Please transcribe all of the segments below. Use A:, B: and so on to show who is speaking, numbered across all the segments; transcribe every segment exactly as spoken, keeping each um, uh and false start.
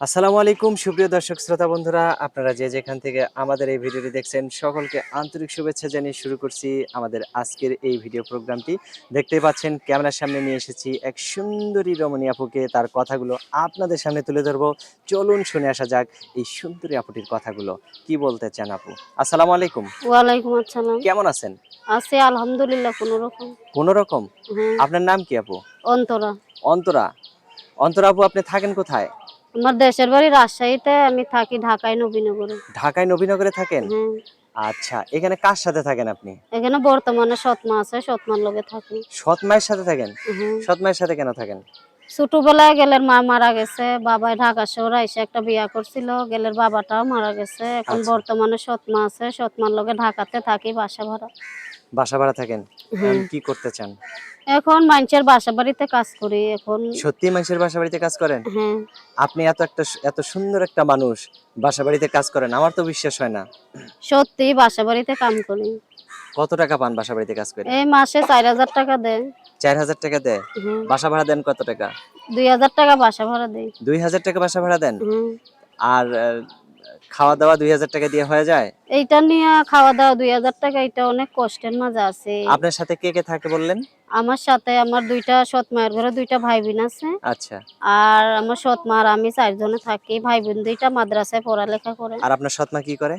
A: আসসালামু আলাইকুম সুপ্রিয় দর্শক শ্রোতা বন্ধুরা, আপনারা যে যেখান থেকে আমাদের এই ভিডিওটি দেখছেন সকলকে আন্তরিক শুভেচ্ছা জানিয়ে শুরু করছি আমাদের আজকের এই ভিডিও প্রোগ্রামটি। দেখতেই পাচ্ছেন ক্যামেরার সামনে নিয়ে এসেছি এক সুন্দরী রমণী আপুকে, তার কথাগুলো আপনাদের সামনে তুলে ধরবো। চলুন শুনে আসা যাক এই সুন্দরী আপুটির কথাগুলো। কি বলতে চান আপু? আসসালামু আলাইকুম।
B: ওয়ালাইকুম আসসালাম।
A: কেমন আছেন?
B: আছি আলহামদুলিল্লাহ কোনরকম।
A: কোন রকম?
B: হ্যাঁ,
A: আপনার নাম কি আপু?
B: অন্তরা।
A: অন্তরা। অন্তরা আপু, আপনি থাকেন কোথায়?
B: আমার দেশের বাড়ি রাজশাহীতে, আমি থাকি ঢাকায় নবীনগরে।
A: ঢাকায় নবীনগরে থাকেন?
B: হ্যাঁ,
A: আচ্ছা, এখানে কার সাথে থাকেন আপনি?
B: এখানে বর্তমানে সৎমা আছে, সৎমার লগে থাকি।
A: সৎ মায়ের সাথে থাকেন?
B: হ্যাঁ,
A: সৎ মায়ের সাথে কেন থাকেন?
B: ছোটবেলায় গেলের মা মারা গেছে, বাবাই ঢাকা শহরে এসে একটা বিয়া করছিল, গেলের বাবাটাও মারা গেছে। এখন
A: আচ্ছা,
B: বর্তমানে সৎমা আছে, সৎমার লগে ঢাকাতে থাকি, বাসা ভাড়া।
A: বাসা ভাড়া থাকেন। এখন
B: হ্যাঁ,
A: কি করতে চান?
B: এখন মানুষের বাসা বাড়িতে কাজ করি এখন।
A: সত্যি মানুষের বাসা বাড়িতে কাজ করেন?
B: হ্যাঁ,
A: আপনি এত একটা এত সুন্দর একটা মানুষ বাসা বাড়িতে কাজ করেন, আমার তো বিশ্বাস হয় না।
B: সত্যি বাসা বাড়িতে কাম করি।
A: কত টাকা পান বাসা বাড়িতে কাজ করে?
B: এই মাসে চার হাজার টাকা দেয়।
A: চার হাজার টাকা দেয়?
B: হ্যাঁ,
A: বাসা ভাড়া দেন কত টাকা?
B: দুই হাজার টাকা বাসা ভাড়া দেই।
A: দুই হাজার টাকা বাসা ভাড়া দেন?
B: হুম,
A: আর আহ, খাওয়া দাওয়া দুই হাজার টাকা দিয়ে হয়ে যায়?
B: এইটা নিয়ে খাওয়া দাওয়া দুই হাজার টাকা, এটা অনেক কষ্টের মাঝে আছে।
A: আপনার সাথে কে কে থাকে বললেন?
B: আমার সাথে আমার দুইটা সৎ মায়ের ঘরে দুইটা ভাই বোন আছে।
A: আচ্ছা।
B: আর আমার সৎ মা আর আমি চারজনে থাকি। ভাই বোন দুইটা মাদ্রাসায় পড়ালেখা করে।
A: আর আপনার সৎ মা কি করে?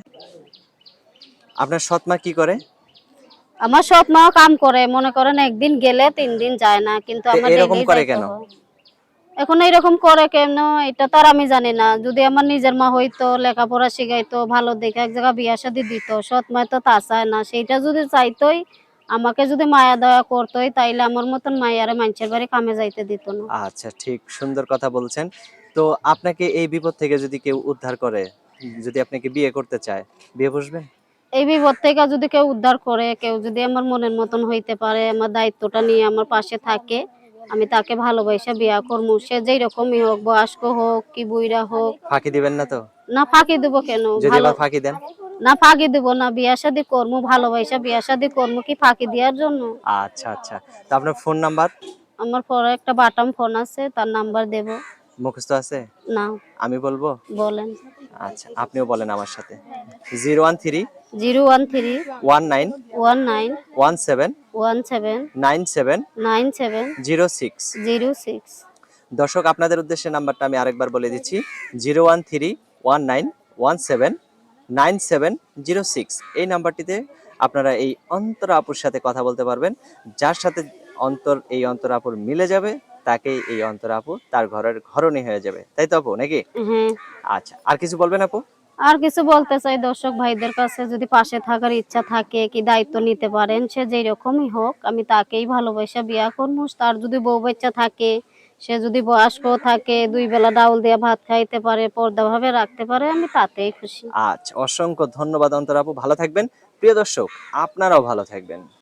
A: আপনার সৎ মা কি করে?
B: আমার সৎ মাও কাম করে, মনে করেন একদিন গেলে তিন দিন যায় না, কিন্তু
A: তো
B: আমার
A: এরকম
B: ডেইলি
A: করে
B: যাইতে
A: কেন?
B: হয়। এখন এইরকম করে কেন, এটা তো আর আমি জানি না। যদি আমার নিজের মা হইতো, লেখাপড়া শিখাইতো, ভালো দেখে এক জায়গায় বিয়া শাদী দিত, সৎ মা তো তা চায় না। সেইটা যদি চাইতোই, আমাকে যদি মায়া দয়া করতোই, তাইলে আমার মতন মায়ারে মানুষের বাড়ি কামে যাইতে দিত না।
A: আচ্ছা, ঠিক সুন্দর কথা বলছেন। তো আপনাকে এই বিপদ থেকে যদি কেউ উদ্ধার করে, যদি আপনাকে বিয়ে করতে চায়, বিয়ে বসবেন?
B: এই বিপদ থেকে যদি কেউ উদ্ধার করে, কেউ যদি আমার মনের মতন হইতে পারে, আমার দায়িত্বটা নিয়ে আমার পাশে থাকে, আমি তাকে ভালোবাসা বিয়া করবো। সে যেই রকমই হোক, বয়স্ক হোক কি বুইড়া হোক।
A: ফাঁকি দিবেন না তো?
B: না ফাঁকি দেবো কেন?
A: যদি
B: ভালো
A: আবার ফাঁকি দেন?
B: না ফাঁকি দেবো না, বিয়া শাদী করবো, ভালোবাসা বিয়া শাদী করবো কি ফাঁকি দেওয়ার জন্য?
A: আচ্ছা, আচ্ছা। তো আপনার ফোন নাম্বার
B: আমার পরে একটা বাটাম ফোন আছে, তার নাম্বার দেব।
A: মুখস্থ আছে?
B: না,
A: আমি বলবো?
B: বলেন।
A: আচ্ছা, আপনিও বলেন আমার সাথে। Zero one three
B: zero one three
A: one nine
B: one nine
A: one seven
B: one seven
A: nine seven
B: nine seven
A: zero six.
B: Zero six.
A: দর্শক, আপনাদের উদ্দেশ্যে নাম্বারটা আমি আরেকবার বলে দিচ্ছি। Zero one three one nine one seven nine seven zero six. এই নাম্বারটিতে আপনারা এই অন্তরা আপুর সাথে কথা বলতে পারবেন। যার সাথে অন্তর এই অন্তরা আপুর মিলে যাবে, তাকেই এই অন্তরা আপু তার ঘরের ঘরণী হয়ে যাবে। তাই তো আপু, নাকি?
B: হ্যাঁ,
A: আচ্ছা, আর কিছু বলবেন আপু?
B: আর কিছু বলতে চাই দর্শক ভাইদের কাছে, যদি পাশে থাকার ইচ্ছা থাকে কি দায়িত্ব নিতে পারেন, সে যেই রকমই হোক, আমি তাকেই ভালোবাসা বিয়া করবো। তার যদি বউ বাচ্চা থাকে, সে যদি বয়স্ক থাকে, দুই বেলা ডাউল দিয়ে ভাত খাইতে পারে, পর্দা ভাবে রাখতে পারে, আমি তাতেই খুশি।
A: আচ্ছা, অসংখ্য ধন্যবাদ অন্তরা আপু, ভালো থাকবেন। প্রিয় দর্শক, আপনারাও ভালো থাকবেন।